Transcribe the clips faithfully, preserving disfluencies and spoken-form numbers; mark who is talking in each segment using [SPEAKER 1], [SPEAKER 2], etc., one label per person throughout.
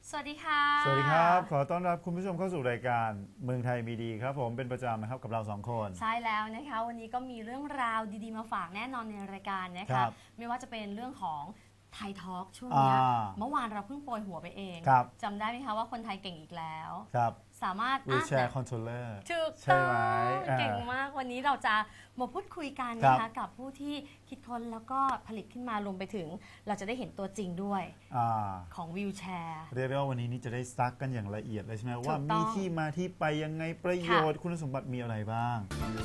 [SPEAKER 1] สวัสดีค่ะ
[SPEAKER 2] สวัสดีครับขอต้อนรับคุณผู้ชมเข้าสู่รายการเมืองไทยมีดีครับผมเป็นประจำนะครับกับเราสองคน
[SPEAKER 1] ใช่แล้วนะคะวันนี้ก็มีเรื่องราวดีๆมาฝากแน่นอนในรายการนะ
[SPEAKER 2] ครั
[SPEAKER 1] คะ
[SPEAKER 2] บ
[SPEAKER 1] ไม่ว่าจะเป็นเรื่องของไทยทอล์กช่วงเนี้ย
[SPEAKER 2] อ่า
[SPEAKER 1] เมื่อวานเราเพิ่งโปรยหัวไปเอง
[SPEAKER 2] ครับ
[SPEAKER 1] จำได้ไหมคะว่าคนไทยเก่งอีกแล้ว
[SPEAKER 2] ครับ
[SPEAKER 1] สามารถ
[SPEAKER 2] วี
[SPEAKER 1] อ่ะ
[SPEAKER 2] แชร์คอนโทรลเลอร์
[SPEAKER 1] ถูก
[SPEAKER 2] ใช่
[SPEAKER 1] ต้อ
[SPEAKER 2] ไหม
[SPEAKER 1] ง
[SPEAKER 2] อ่า
[SPEAKER 1] เก่งมากวันนี้เราจะมาพูดคุยกัน
[SPEAKER 2] ครั
[SPEAKER 1] นะ
[SPEAKER 2] บ
[SPEAKER 1] คะกับผู้ที่คิดค้นแล้วก็ผลิตขึ้นมารวมไปถึง เราจะได้เห็นตัวจริงด้วย
[SPEAKER 2] อ่า
[SPEAKER 1] ของวิวแชร์
[SPEAKER 2] เรียกได้ว่าวันนี้นี่จะได้ซักกันอย่างละเอียดเลยใช่ไหม
[SPEAKER 1] ถูก
[SPEAKER 2] ว่า
[SPEAKER 1] ต้
[SPEAKER 2] มี
[SPEAKER 1] อง
[SPEAKER 2] ที่มาที่ไปยังไงประโยชน์คุณสมบัติมีอะไรบ้าง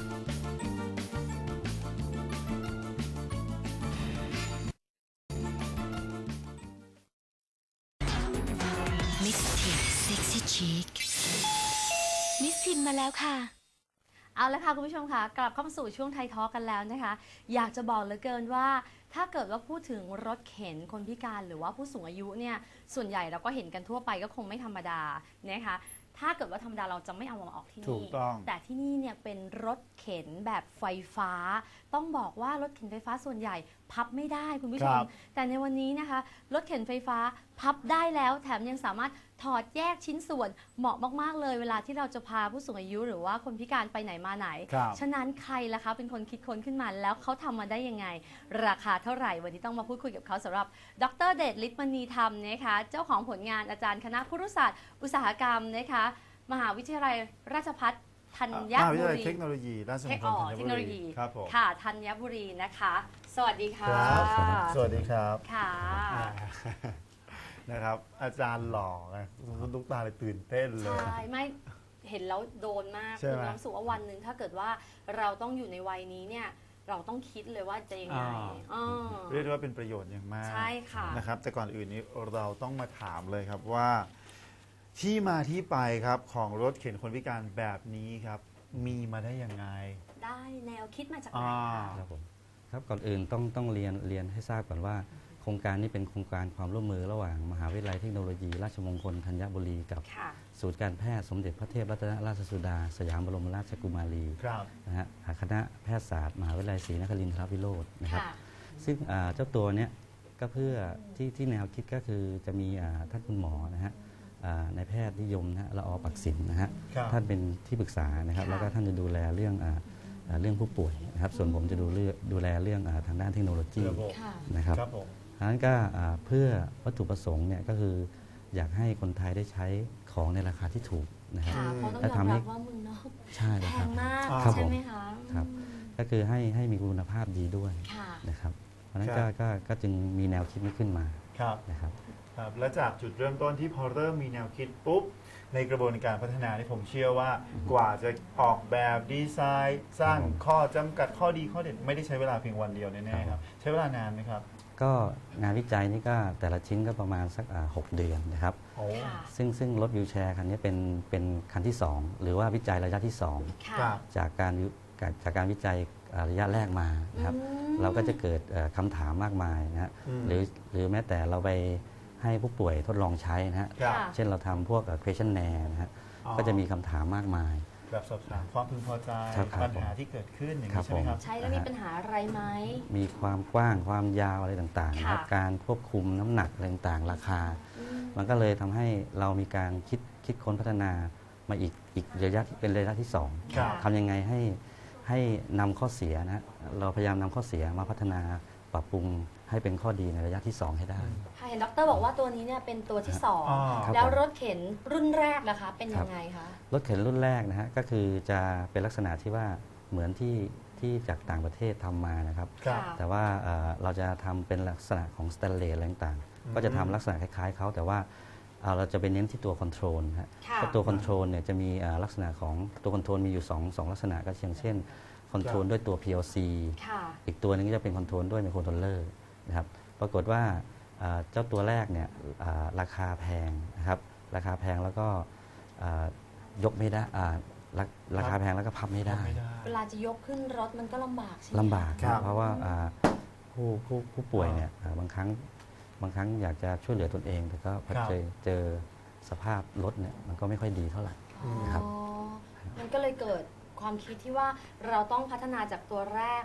[SPEAKER 3] มิสทีนเซ็กซี่ชิคมิสทีนมาแล้วค่ะ
[SPEAKER 1] เอาละค่ะคุณผู้ชมค่ะกลับเข้ามาสู่ช่วงไทยทอล์กกันแล้วนะคะ อยากจะบอกเหลือเกินว่า ถ้าเกิดว่าพูดถึงรถเข็นคนพิการหรือว่าผู้สูงอายุเนี่ยส่วนใหญ่เราก็เห็นกันทั่วไปก็คงไม่ธรรมดานะคะถ้าเกิดว่าธรรมดาเราจะไม่เอามาออกที่
[SPEAKER 2] ถู
[SPEAKER 1] นี่
[SPEAKER 2] กต้อง
[SPEAKER 1] แต่ที่นี่เนี่ยเป็นรถเข็นแบบไฟฟ้า ต้องบอกว่ารถเข็นไฟฟ้าส่วนใหญ่พับไม่ได้คุณผู้ช
[SPEAKER 2] ค
[SPEAKER 1] ม
[SPEAKER 2] รับ
[SPEAKER 1] แต่ในวันนี้นะคะรถเข็นไฟฟ้าพับได้แล้วแถมยังสามารถถอดแยกชิ้นส่วนเหมาะมากๆเลยเวลาที่เราจะพาผู้สูงอายุหรือว่าคนพิการไปไหนมาไหน
[SPEAKER 2] ครับ
[SPEAKER 1] ฉะนั้นใครล่ะคะเป็นคนคิดค้นขึ้นมาแล้วเขาทำมาได้ยังไง ราคาเท่าไหร่วันนี้ต้องมาพูดคุยกับเขาสำหรับดรเดชฤทธิ์มณีธรรมนะคะเจ้าของผลงานอาจารย์คณะครุศาสตร์อุตสาหกรรมนะคะมหาวิทยาลัยราชภัฏธัญ
[SPEAKER 2] มหาวิท
[SPEAKER 1] บุ
[SPEAKER 2] ยาลัย
[SPEAKER 1] รี
[SPEAKER 2] เทคโนโลยีราชม
[SPEAKER 1] เท
[SPEAKER 2] ง
[SPEAKER 1] ค
[SPEAKER 2] ค
[SPEAKER 1] อ
[SPEAKER 2] ล
[SPEAKER 1] อ
[SPEAKER 2] ธัญ
[SPEAKER 1] เทค
[SPEAKER 2] บุ
[SPEAKER 1] โนโล
[SPEAKER 2] รี
[SPEAKER 1] ยี
[SPEAKER 2] ครับผม
[SPEAKER 1] ค่ะธัญบุรีนะคะ สวัสดีค่ะ
[SPEAKER 2] ครับสวัสดีครับ
[SPEAKER 1] ค่ะ
[SPEAKER 2] อ่านะครับ อาจารย์หล่อไงลูกตาเลยตื่นเต้นเลย
[SPEAKER 1] ใช่ไม่เห็นแล้วโดนมาก
[SPEAKER 2] ใช่
[SPEAKER 1] คือ
[SPEAKER 2] ไหม
[SPEAKER 1] น้ำสุว่าวันหนึ่งถ้าเกิดว่าเราต้องอยู่ในวัยนี้เนี่ยเราต้องคิดเลยว่าจะยังไง
[SPEAKER 2] อ่า
[SPEAKER 1] อ่า
[SPEAKER 2] เรียกได้ว่าเป็นประโยชน์อย่างมาก
[SPEAKER 1] ใช่ค่ะ
[SPEAKER 2] นะครับแต่ก่อนอื่นนี้เราต้องมาถามเลยครับว่า ที่มาที่ไปครับของรถเข็นคนพิการแบบนี้ครับ มีมาได้ยังไง
[SPEAKER 1] ได้แนวคิดมาจากไหน
[SPEAKER 2] อ่า
[SPEAKER 1] คะ
[SPEAKER 4] ครับผมครับก่อนอื่นต้องต้องเรียนเรียนให้ทราบก่อนว่า โครงการนี้เป็นโครงการความร่วมมือระหว่างมหาวิทยาลัยเทคโนโลยี ราชมงคลธัญบุรีกับ
[SPEAKER 1] ค่ะ
[SPEAKER 4] ศูนย์การแพทย์สมเด็จพระเทพรัตนราชสุดา สยามบรมราชกุมารี
[SPEAKER 2] ครับ
[SPEAKER 4] นะฮะคณะแพทยศาสตร์มหาวิทยาลัยศรีนครินทรวิโรจน์นะครับ
[SPEAKER 1] ค่ะ
[SPEAKER 4] ซึ่งอ่าเจ้าตัวเนี้ยก็เพื่อที่ที่แนวคิดก็คือจะมีอ่าท่านคุณหมอนะฮะอ่านายแพทย์นิยมนะฮะละออปักศิลป์นะฮะ
[SPEAKER 2] ครับ
[SPEAKER 4] ท่านเป็นที่ปรึกษานะครับ
[SPEAKER 1] ค่ะ
[SPEAKER 4] แล้วก็ท่านจะดูแลเรื่องอ่าอ่าเรื่องผู้ป่วยนะครับ ส่วนผมจะดูเรื่องดูแลเรื่องอาทางด้านเทคโนโลยี
[SPEAKER 2] ระบบ
[SPEAKER 1] ค่ะ
[SPEAKER 4] นะครับ
[SPEAKER 2] ครับผม
[SPEAKER 4] ดังนั้นก็อ่าเพื่อวัตถุประสงค์เนี่ยก็คืออยากให้คนไทยได้ใช้ของในราคาที่ถูกนะครับ
[SPEAKER 1] ค่ะเพราะต้อง
[SPEAKER 4] และ
[SPEAKER 1] ยอม
[SPEAKER 4] ทำให้
[SPEAKER 1] รับว่าเมืองนอก
[SPEAKER 4] ใช่
[SPEAKER 1] แพ
[SPEAKER 4] เลยครับ
[SPEAKER 1] งมาก
[SPEAKER 2] ครับ
[SPEAKER 1] ใช่ไหมคะ
[SPEAKER 4] ครับ
[SPEAKER 1] อืม
[SPEAKER 4] ก็คือให้ให้มีคุณภาพดีด้วย
[SPEAKER 1] ค่ะ
[SPEAKER 4] นะครับ เพราะฉะนั้น
[SPEAKER 2] ครั
[SPEAKER 4] ก็
[SPEAKER 2] บ
[SPEAKER 4] ก็ก็จึงมีแนวคิดนี้ขึ้นมา
[SPEAKER 2] ครับ
[SPEAKER 4] นะครับ
[SPEAKER 2] ครับและจากจุดเริ่มต้นที่พอเริ่มมีแนวคิดปุ๊บในกระบวนการพัฒนาที่ผมเชื่อว่ากว่าจะออกแบบดีไซน์ สร้าง
[SPEAKER 4] ครับผม
[SPEAKER 2] ข้อจำกัดข้อดีข้อเด่นไม่ได้ใช้เวลาเพียงวันเดียวแน่ๆครับใช้เวลานานไหมครับ
[SPEAKER 4] ก็งานวิจัยนี่ก็แต่ละชิ้นก็ประมาณสักอ่าหกเดือนนะครับ
[SPEAKER 2] โอ้
[SPEAKER 1] ค่ะ
[SPEAKER 4] ซึ่งซึ่งรถวิวแชร์คันนี้เป็นเป็นคันที่สองหรือว่าวิจัยระยะที่สอง
[SPEAKER 1] ค่ะ
[SPEAKER 2] ครับ
[SPEAKER 4] จากการวิจากจากการวิจัยอ่าระยะแรกมานะครับ
[SPEAKER 1] อืม
[SPEAKER 4] เราก็จะเกิดเอ่อคำถามมากมายนะฮะ
[SPEAKER 2] อืม
[SPEAKER 4] หรือหรือแม้แต่เราไปให้ผู้ป่วยทดลองใช้นะฮะ
[SPEAKER 2] ครับ
[SPEAKER 1] ค่ะ
[SPEAKER 4] เช่นเราทำพวกเอ่อ questionnaire นะฮะ
[SPEAKER 2] อ๋อ
[SPEAKER 4] ก็จะมีคำถามมากมาย
[SPEAKER 2] แบบสอบถามความพึงพอใจ
[SPEAKER 4] ครับครับ
[SPEAKER 2] ปัญหาที่เกิดขึ้นอย่าง
[SPEAKER 4] ครั
[SPEAKER 2] นี้
[SPEAKER 4] บ
[SPEAKER 2] ใช่ไหมครับ
[SPEAKER 4] ผม
[SPEAKER 1] ใช้แล้วมีปัญหาอะไรไหม
[SPEAKER 4] มีความกว้างความยาวอะไรต่างๆนะครับ
[SPEAKER 1] ค่ะ
[SPEAKER 4] การควบคุมน้ำหนักอะไรต่างๆ ราคา
[SPEAKER 1] อืม
[SPEAKER 4] มันก็เลยทำให้เรามีการคิดคิดค้นพัฒนามาอีกอีกระยะที่เป็นระยะที่สอง
[SPEAKER 2] ครับ
[SPEAKER 4] ทำยังไงให้ให้นำข้อเสียนะฮะเราพยายามนำข้อเสียมาพัฒนาปรับปรุงให้เป็นข้อดีในระยะที่สองให้ได้
[SPEAKER 1] ค่ะเห็นดรบอกว่าตัวนี้เนี่ยเป็นตัวที่สอง
[SPEAKER 2] อ๋อ
[SPEAKER 4] ครับ
[SPEAKER 1] แล้ว
[SPEAKER 4] ผม
[SPEAKER 1] รถเข็นรุ่นแรกนะคะ เป็นยังไงคะ
[SPEAKER 4] รถเข็นรุ่นแรกนะฮะก็คือจะเป็นลักษณะที่ว่าเหมือนที่ที่จากต่างประเทศทำมานะครับ
[SPEAKER 2] ครับ
[SPEAKER 4] แต่ว่าเอ่อเราจะทำเป็นลักษณะของสแตนเลสอะไรต่าง
[SPEAKER 2] อืม
[SPEAKER 4] ๆก็จะทำลักษณะคล้ายๆเขาแต่ว่าเอ่อเราจะไปเน้นที่ตัวคอนโทรลฮะ
[SPEAKER 1] ค่ะ
[SPEAKER 4] ก็ตัวคอนโทรลเนี่ยจะมีเอ่อลักษณะของตัวคอนโทรลมีอยู่สองสองลักษณะก็เช่นเช่นคอนโทรลด้วยตัว พี แอล ซี
[SPEAKER 1] ค่ะ
[SPEAKER 4] อีกตัวหนึงก็จะเป็นคอนโทรลด้วยไมโครคอนโทรลเลอร์นะครับปรากฏว่าเอ่อเจ้าตัวแรกเนี่ยเอ่อราคาแพงนะครับราคาแพงแล้วก็เอ่อยกไม่ได้อ่าราราคาแพงแล้วก็พับไม่ได้
[SPEAKER 2] ไม่ได้
[SPEAKER 1] เวลาจะยกขึ้นรถมันก็ลำบากใช่ไหม
[SPEAKER 4] ลำบาก
[SPEAKER 2] ครับ
[SPEAKER 4] เพราะว่าอ่าผู้ผู้ผู้ป่วยเนี่ยอ่าบางครั้งบางครั้งอยากจะช่วยเหลือตนเอง แต่ก็พอ
[SPEAKER 2] ครับ
[SPEAKER 4] เจอเจอสภาพรถเนี่ยมันก็ไม่ค่อยดีเท่าไหร่
[SPEAKER 1] อ๋อ
[SPEAKER 4] ครับ
[SPEAKER 1] มันก็เลยเกิดความคิดที่ว่าเราต้องพัฒนาจากตัวแรก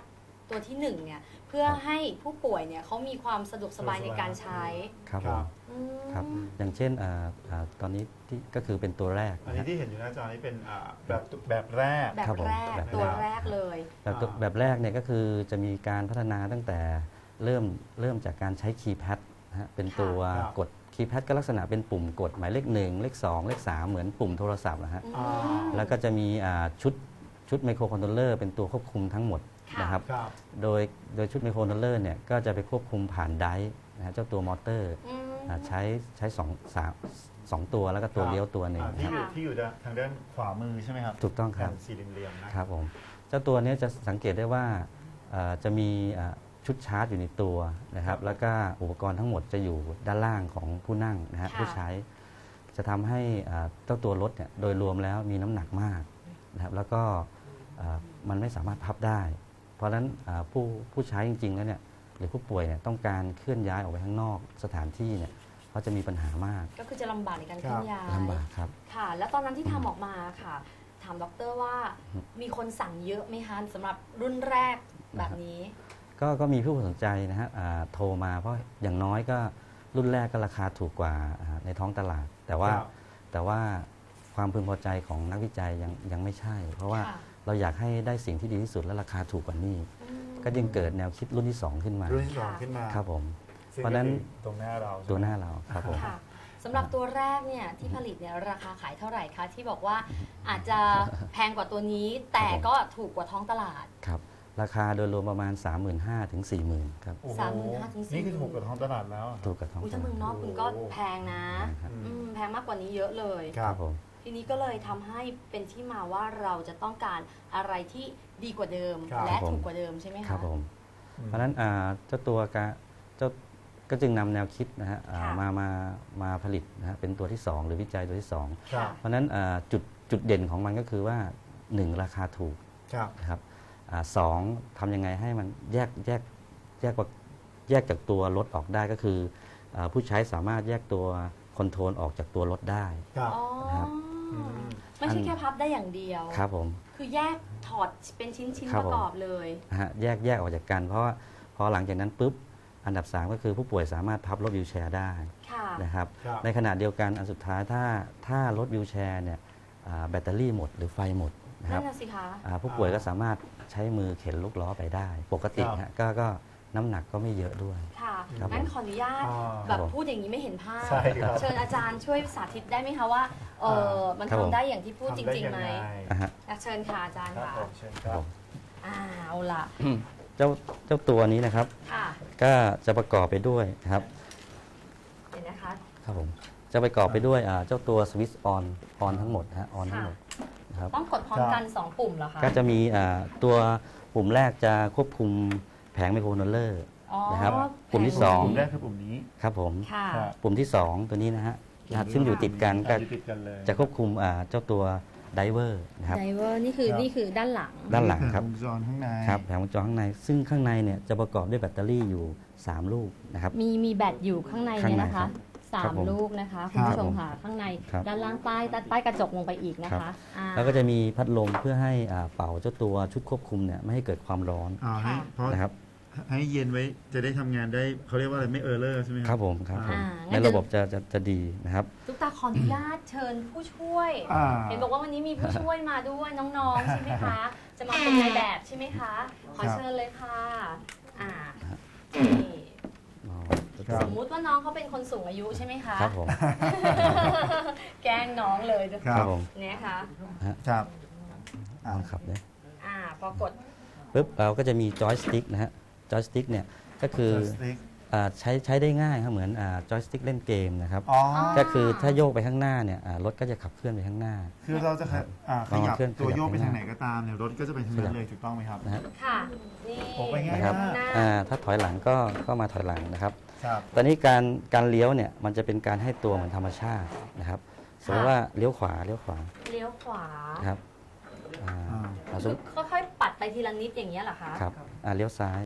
[SPEAKER 1] ตัวที่หนึ่งเนี่ยเพื่อให้ผู้ป่วยเนี่ยเขามีความสะดวกสบายในการใช้
[SPEAKER 4] ครับ
[SPEAKER 2] ค
[SPEAKER 4] ผ
[SPEAKER 2] รั
[SPEAKER 4] ม
[SPEAKER 2] บ
[SPEAKER 1] อืม
[SPEAKER 4] ครับอย่างเช่นอ่าอ่าตอนนี้ที่ก็คือเป็นตัวแรก
[SPEAKER 2] อัน
[SPEAKER 4] นะ
[SPEAKER 2] นี้
[SPEAKER 4] ฮะ
[SPEAKER 2] ที่เห็นอยู่หน้าจอนี้เป็นอ่าแบบแบบแรก
[SPEAKER 1] แบบ
[SPEAKER 4] ครับผม
[SPEAKER 1] แรก
[SPEAKER 4] แบบแรก
[SPEAKER 1] ตัวแรกเลย
[SPEAKER 4] แบบตัว
[SPEAKER 2] อ่า
[SPEAKER 4] แบบแรกเนี่ยก็คือจะมีการพัฒนาตั้งแต่เริ่มเริ่มจากการใช้คีย์แพดนะฮะเป็นตัว
[SPEAKER 2] ครับ
[SPEAKER 4] กดคีย์แพดก็ลักษณะเป็นปุ่มกดหมายเลขหนึ่งเลขสองเลขสามเหมือนปุ่มโทรศัพท์นะฮะ
[SPEAKER 1] อืม
[SPEAKER 2] อ่า
[SPEAKER 4] แล้วก็จะมีอ่าชุดชุดไมโครคอนโทรลเลอร์เป็นตัวควบคุมทั้งหมด
[SPEAKER 1] ค่ะ
[SPEAKER 4] นะครับ
[SPEAKER 2] ครับ
[SPEAKER 4] โดยโดยชุดไมโครคอนโทรลเลอร์เนี่ยก็จะไปควบคุมผ่านไดร์นะฮะเจ้าตัวมอเตอร์
[SPEAKER 1] อืม
[SPEAKER 4] อ่าใช้ใช้สองสามสองตัวแล้วก็ตัว
[SPEAKER 2] ครับ
[SPEAKER 4] เลี้ยวตัวหนึ่ง
[SPEAKER 2] อ่า
[SPEAKER 4] นะ
[SPEAKER 2] ที่
[SPEAKER 4] ค
[SPEAKER 2] อ
[SPEAKER 4] รับ
[SPEAKER 2] ยู่ที่อยู่ด้านทางด้านขวามือใช่ไหมครับ
[SPEAKER 4] ถูกต้องค
[SPEAKER 2] แผ่
[SPEAKER 4] รับ
[SPEAKER 2] นสี่เหลี่ยมๆนะครับ
[SPEAKER 4] ผมเจ้าตัวเนี้ยจะสังเกตได้ว่าเอ่อจะมีอ่าชุดชาร์จอยู่ในตัวนะครับ แล้วก็อุปกรณ์ทั้งหมดจะอยู่ด้านล่างของผู้นั่งนะฮะ
[SPEAKER 1] ค่ะ
[SPEAKER 4] ผู้ใช้จะทำให้อ่าเจ้าตัวรถเนี่ยโดยรวมแล้วมีน้ำหนักมากนะครับแล้วก็อ่ามันไม่สามารถพับได้ เพราะฉะนั้นอ่าผู้ผู้ใช้จริงๆแล้วเนี่ยหรือผู้ป่วยเนี่ยต้องการเคลื่อนย้ายออกไปข้างนอกสถานที่เนี่ยเขาจะมีปัญหามาก
[SPEAKER 1] ก็คือจะลำบากในการเคลื่อนย้าย
[SPEAKER 4] ลำบากครับ
[SPEAKER 1] ค่ะ แล้วตอนนั้นที่ทำออกมาค่ะ ถามด็อกเตอร์ว่ามีคนสั่งเยอะไหมคะสำหรับรุ่นแรกแบบนี้
[SPEAKER 4] ก็ก็มีผู้สนใจนะฮะอ่าโทรมาเพราะอย่างน้อยก็รุ่นแรกก็ราคาถูกกว่าอ่าในท้องตลาด แต่ว่า
[SPEAKER 2] ครับ
[SPEAKER 4] แต่ว่าความพึงพอใจของนักวิจัยยังยังไม่ใช่ เพราะว่า
[SPEAKER 1] ค่ะ
[SPEAKER 4] เราอยากให้ได้สิ่งที่ดีที่สุดและราคาถูกกว่านี้
[SPEAKER 1] อืม
[SPEAKER 4] ก็จึงเกิดแนวคิดรุ่นที่ สอง ขึ้นมา
[SPEAKER 2] รุ่นที่สองขึ้นมา
[SPEAKER 4] ครับผม
[SPEAKER 2] ซึ่ง
[SPEAKER 4] เพราะฉะนั้น
[SPEAKER 2] ก็คือตรงหน้าเราใช่ไม
[SPEAKER 4] ตัวหน้าเราครับผม
[SPEAKER 1] ค่ะสำหรับตัวแรกเนี่ยที่ผลิตเนี่ยราคาขายเท่าไหร่คะ ที่บอกว่าอาจจะแพงกว่าตัวนี้ แต่ก็ถูกกว่าท้องตลาด
[SPEAKER 4] ครับราคาโดยรวมประมาณ สามหมื่นห้าพัน ถึง สี่หมื่น ครับ
[SPEAKER 2] โอ้โ
[SPEAKER 1] สามหมื่นห้าถึงสี่
[SPEAKER 2] นี่คือถูกกว่าท้องตลาดแล้วอะ
[SPEAKER 4] ถูกกับท้อง
[SPEAKER 1] อุ้ย
[SPEAKER 4] ต
[SPEAKER 1] ถ้า
[SPEAKER 4] ลา
[SPEAKER 1] เมื
[SPEAKER 4] ด
[SPEAKER 1] องนอกคุณก็แพงนะ
[SPEAKER 4] ครับ
[SPEAKER 1] อืมแพงมากกว่านี้เยอะเลย
[SPEAKER 2] ครับ
[SPEAKER 4] ผม
[SPEAKER 1] ทีนี้ก็เลยทำให้เป็นที่มาว่าเราจะต้องการอะไรที่ดีกว่าเดิม
[SPEAKER 2] ครับ
[SPEAKER 1] และ
[SPEAKER 4] ผม
[SPEAKER 1] ถูกกว่าเดิมใช่ไหมคะ
[SPEAKER 4] ครับผม
[SPEAKER 2] อืม
[SPEAKER 4] เพราะฉะนั้นอ่าเจ้าตัวกะเจ้าก็จึงนำแนวคิดนะฮะอ่า
[SPEAKER 1] ค่ะ
[SPEAKER 4] มามามาผลิตนะฮะเป็นตัวที่ สอง หรือวิจัยตัวที่ สอง
[SPEAKER 2] ครับ
[SPEAKER 4] เพราะฉะนั้นอ่าจุดจุดเด่นของมันก็คือว่า หนึ่ง ราคาถูก
[SPEAKER 2] ครับ
[SPEAKER 4] นะครับอ่าสองทำยังไงให้มันแยกแยกแยกว่าแยกจากตัวรถออกได้ก็คืออาผู้ใช้สามารถแยกตัวคอนโทรลออกจากตัวรถได้
[SPEAKER 2] ครับ
[SPEAKER 1] อ๋อ
[SPEAKER 4] นะครับ
[SPEAKER 2] อืม
[SPEAKER 1] ไม่ใช่แค่พับได้อย่างเดียว
[SPEAKER 4] ครับผม
[SPEAKER 1] คือแยกถอดเป็นชิ้นชิ้น
[SPEAKER 4] ครั
[SPEAKER 1] ป
[SPEAKER 4] บผม
[SPEAKER 1] ระกอบเลย
[SPEAKER 4] นะฮะแยกแยกออกจากกัน เพราะว่าพอหลังจากนั้นปุ๊บอันดับ สาม ก็คือผู้ป่วยสามารถพับรถวิวแชร์ได้
[SPEAKER 1] ค่ะ
[SPEAKER 4] นะครับ
[SPEAKER 2] ครับ
[SPEAKER 4] ในขณะเดียวกันอันสุดท้ายถ้าถ้ารถวิวแชร์เนี่ยอ่าแบตเตอรี่หมดหรือไฟหมดนะค
[SPEAKER 1] นั่
[SPEAKER 4] รับ
[SPEAKER 1] นน่ะสิคะ
[SPEAKER 4] อ่าผู้ป่วยก็สามารถใช้มือเข็นลูกล้อไปได้ ปกติ
[SPEAKER 2] ครับ
[SPEAKER 4] ฮะก็ก็น้ำหนักก็ไม่เยอะด้วย
[SPEAKER 1] ค่ะ
[SPEAKER 4] ครับ
[SPEAKER 1] งั้น
[SPEAKER 4] ผม
[SPEAKER 1] ขออนุญาต
[SPEAKER 2] อ่า
[SPEAKER 1] แบบพูดอย่างนี้ไม่เห็นภาพ
[SPEAKER 2] ใช่ครับ
[SPEAKER 1] เชิญอาจารย์ช่วยสาธิตได้ไหมคะว่าเออมัน
[SPEAKER 4] ครับผม
[SPEAKER 1] ทำได้อย่างที่พูดจ
[SPEAKER 2] ทำได้
[SPEAKER 1] ริง
[SPEAKER 2] ยั
[SPEAKER 1] ๆไหม
[SPEAKER 2] ไง
[SPEAKER 4] อ่ะฮะ
[SPEAKER 1] อ่ะเชิญค่ะอาจารย์
[SPEAKER 2] ครับ
[SPEAKER 1] ค่ะ
[SPEAKER 2] ผมเชิญค
[SPEAKER 4] ครั
[SPEAKER 2] รั
[SPEAKER 4] บบ ผม
[SPEAKER 1] อ่าเอาล่ะ
[SPEAKER 4] เจ้าเจ้าตัวนี้นะครับ
[SPEAKER 1] ค่ะ
[SPEAKER 4] ก็จะประกอบไปด้วยนะครับ
[SPEAKER 1] เห็นนะคะ
[SPEAKER 4] ครับผมจะประกอบไปด้วยอ่าเจ้าตัวสวิตช์ออนออนทั้งหมดนะฮะออนทั้งหมดนะครับ
[SPEAKER 1] ต้องกดพร้อมกันสองปุ่มเหรอคะ
[SPEAKER 4] ก็จะมีอ่าตัวปุ่มแรกจะควบคุมแผงไมโครคอนโทรลเลอร์
[SPEAKER 1] อ๋อ
[SPEAKER 4] นะครับปุ่มที่
[SPEAKER 1] แผ
[SPEAKER 4] สอง
[SPEAKER 2] ปุ่มแรกคือปุ่มนี้
[SPEAKER 4] ครับผม
[SPEAKER 1] ค่ะ
[SPEAKER 2] ครับ
[SPEAKER 4] ปุ่มที่ สอง ตัวนี้นะฮะนะฮะซึ่งอยู่ติดกันก็
[SPEAKER 2] อยู่ติดกันเลย
[SPEAKER 4] จะควบคุมอ่าเจ้าตัวไดเวอร์นะครับ
[SPEAKER 1] ไดเวอร์นี่คือ
[SPEAKER 2] ครับ
[SPEAKER 1] นี่คือด้านหลัง
[SPEAKER 4] ด้านหลังครับ
[SPEAKER 2] วงจรข้างใน
[SPEAKER 4] ครับแผงวงจรข้างใน ซึ่งข้างในเนี่ยจะประกอบด้วยแบตเตอรี่อยู่ สาม ลูกนะครับ
[SPEAKER 1] มีมีแบตอยู่ข้างใน
[SPEAKER 4] ข้าง
[SPEAKER 1] เนี่ย
[SPEAKER 4] ใน
[SPEAKER 1] นะ
[SPEAKER 4] ครั
[SPEAKER 1] คะ
[SPEAKER 4] บ
[SPEAKER 1] สา
[SPEAKER 4] ครั
[SPEAKER 1] ม
[SPEAKER 4] บผม
[SPEAKER 1] ลูกนะคะคุณผู้ชมค่ะข้างใน
[SPEAKER 4] ครับ
[SPEAKER 1] ด้านล่างใต้ใต้ใต้กระจกลงไปอีกนะ
[SPEAKER 4] ครั
[SPEAKER 1] คะ
[SPEAKER 4] บ
[SPEAKER 1] อ่า
[SPEAKER 4] แล้วก็จะมีพัดลมเพื่อให้อ่าเป่าเจ้าตัวชุดควบคุมเนี่ยไม่ให้เกิดความร้อน
[SPEAKER 2] อ่าให้
[SPEAKER 1] ค่ะ
[SPEAKER 2] เพราะ
[SPEAKER 4] นะครับ
[SPEAKER 2] ให้เย็นไว้จะได้ทำงานได้เขาเรียกว่าอะไรไม่เออร์เลอร์ใช่ไหมค
[SPEAKER 4] ค
[SPEAKER 2] รั
[SPEAKER 4] รับผมครับผม
[SPEAKER 1] อ่า
[SPEAKER 4] ในระบบจะจะจะดีนะครับ
[SPEAKER 1] ตุ๊กตาขออนุญาตเชิญผู้ช่วย
[SPEAKER 2] อ่า
[SPEAKER 1] เห็นบอกว่าวันนี้มีผู้ช่วยมาด้วยน้องๆ ใช่ไหมคะ จะมาเป็นนายแบบใช่ไหมคะ ขอเชิญเลยค่ะ อ่านี่
[SPEAKER 4] อ๋อ
[SPEAKER 2] ครับ
[SPEAKER 1] สมมุติว่าน้องเขาเป็นคนสูงอายุใช่ไหมคะ
[SPEAKER 4] ครับผม
[SPEAKER 1] แกล้งน้องเลย
[SPEAKER 2] ค
[SPEAKER 4] ค
[SPEAKER 2] รั
[SPEAKER 4] รั
[SPEAKER 2] บบ
[SPEAKER 4] ผม
[SPEAKER 1] เนี่ยค่ะ
[SPEAKER 2] ครับ
[SPEAKER 4] เอาครับเนี่ย
[SPEAKER 1] อ่าพอกด
[SPEAKER 4] ปุ๊บเราก็จะมีจอยสติ๊กนะฮะจอยสติ๊กเนี่ยก็คือ
[SPEAKER 2] Joystick
[SPEAKER 4] อ่าใช้ใช้ได้ง่ายครับเหมือนจอยสติ๊กเล่นเกมนะครับ
[SPEAKER 2] อ๋อ
[SPEAKER 4] ก็คือถ้าโยกไปข้างหน้าเนี่ยอ่ารถก็จะขับเคลื่อนไปข้างหน้า
[SPEAKER 2] คือเราจะขยอ่าขยับ
[SPEAKER 4] เคลื่อน
[SPEAKER 2] ตัวโยก
[SPEAKER 4] ขยับ
[SPEAKER 2] ไป
[SPEAKER 4] ไป
[SPEAKER 2] ทาง
[SPEAKER 4] ห
[SPEAKER 2] ไหน
[SPEAKER 4] น้า
[SPEAKER 2] ก็ตามเนี่ยรถก็จะไปทางนั้นเลยถูกต้องไหมครับ
[SPEAKER 4] นะฮะ
[SPEAKER 1] ค่ะ นี่
[SPEAKER 2] โอ้ไปง่าย
[SPEAKER 4] นะครับ
[SPEAKER 2] มาก
[SPEAKER 1] หน้า
[SPEAKER 4] อ่าถ้าถอยหลังก็ก็มาถอยหลังนะครับ
[SPEAKER 2] ครับ
[SPEAKER 4] ตอนนี้การการเลี้ยวเนี่ยมันจะเป็นการให้ตัวเหมือนธรรมชาตินะครับสมมติว่าเลี้ยวขวาเลี้ยวขวา
[SPEAKER 1] เลี้ยวขวา
[SPEAKER 4] นะครับอ่า
[SPEAKER 2] อ่า
[SPEAKER 4] เอาส
[SPEAKER 1] คื
[SPEAKER 4] ม
[SPEAKER 1] อค่อยๆปัดไปทีละนิดอย่างเงี้ยเหรอคะ
[SPEAKER 4] ครับอ่าเลี้ยวซ้าย